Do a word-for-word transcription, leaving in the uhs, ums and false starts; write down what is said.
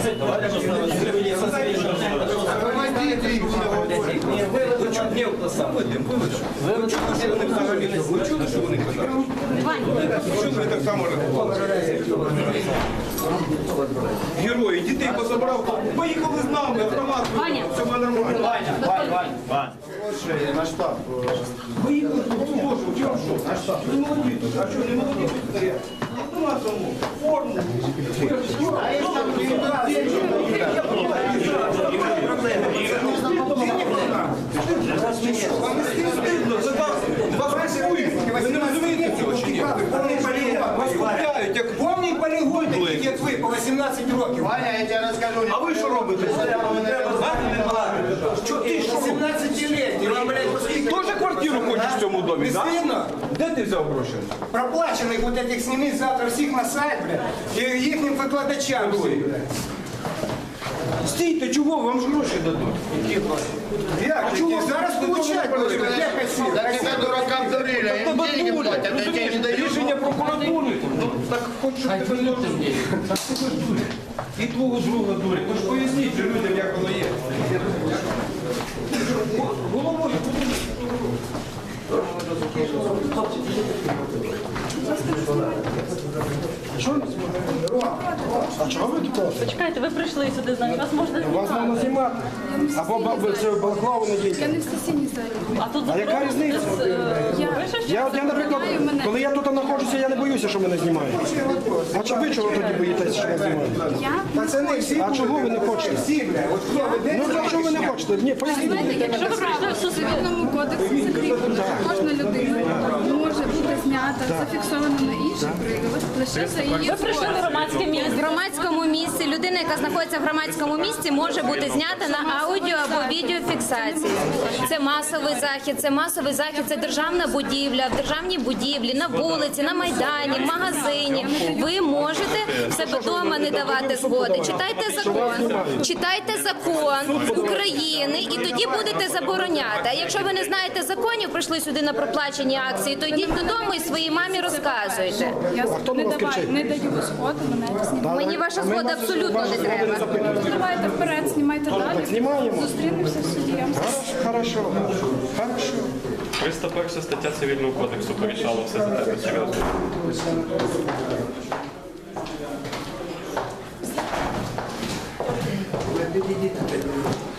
Ви чули, що вони казали? Чому ви так само рахували? Герої, дітей позабрав, поїхали з нами, автомат, все нормально. Ваня, Ваня, Ваня, Ваня. На штаб. Поїхали, боже, у чому що? На штаб. Ви молоді тут, а що, не молоді тут стоять? Автомат тому, форму. А є там Вам не стидно, за вас, вас купують. Ви не розумієте цього чи ні? Вас купляють, як Повний полігон, таких як ви, по вісімнадцять років. Ваня, я тебе розкажу. А ви що робите? Що ти що? сімнадцятилітній, вам, блядь, поскільки? Тоже квартиру хочеш в цьому домі, Не так? стидно? Де ти взяв гроші? Проплачених вот этих сніміть завтра всіх на сайт, блядь, і їхнім викладачам всім, блядь. Стійте, чого? Вам ж гроші дадуть. Як? А чого? Зараз получать будуть, блядь, як осі? Так это дуракам дурили, Так им тебе деньги дурять, платят, а тебе розумієш? не дают. Рішення прокуратури. Ну, так хоч щоб тебе не розуміли. Так тебе ж дурять. І твого друга дурять. Тож поясніть же людям, як воно є. Головою. А чого ви тут? Почекайте, ви прийшли сюди, значить вас можна Вас знімати. можна знімати. Або баби це балаклаву не Я дійте. не в сесійній залі. А тут А яка заборонено різниця? десь, е, Я- пише, що Я, от, я, наприклад, коли я тут знаходжуся, я не боюся, що мене знімають. А чи ви чого тоді боїтеся, що вас знімають? Я Пацани, всі А чого ви не хочете? всі, блядь, от хто веде? Ну, якщо ви не хочете, ні, поясніть. знаєте, якщо ви прийшли в цивільному кодексі закріплено, що кожна людина може бути знята, зафіксована на інший привід, лише за її ви прийшли в згодою. громадське В місце. громадському місці людина, яка знаходиться в громадському місці, може бути знята на аудіо або відеофіксації. Це масовий захід, це масовий захід, це державна будівля, в державній будівлі, на вулиці, на майдані, в магазині. Ви можете в себе вдома не давати згоди. Читайте закон, читайте закон України, і тоді будете забороняти. А якщо ви не знаєте законів, прийшли сюди на проплачені акції, то йдіть додому і своїй мамі розказуйте. Я хто не, на вас давай, кричить? не даю згоду, мене знімати. Мені ваша Ми згода вас- абсолютно вашої не згоди треба. запитуємо. Давайте вперед, знімайте далі. знімаємо. Зустрінемося в суді. Я вам Хорошо, хорошо. триста перша стаття Цивільного кодексу порішала все за тебе серйозно. Підійдіть.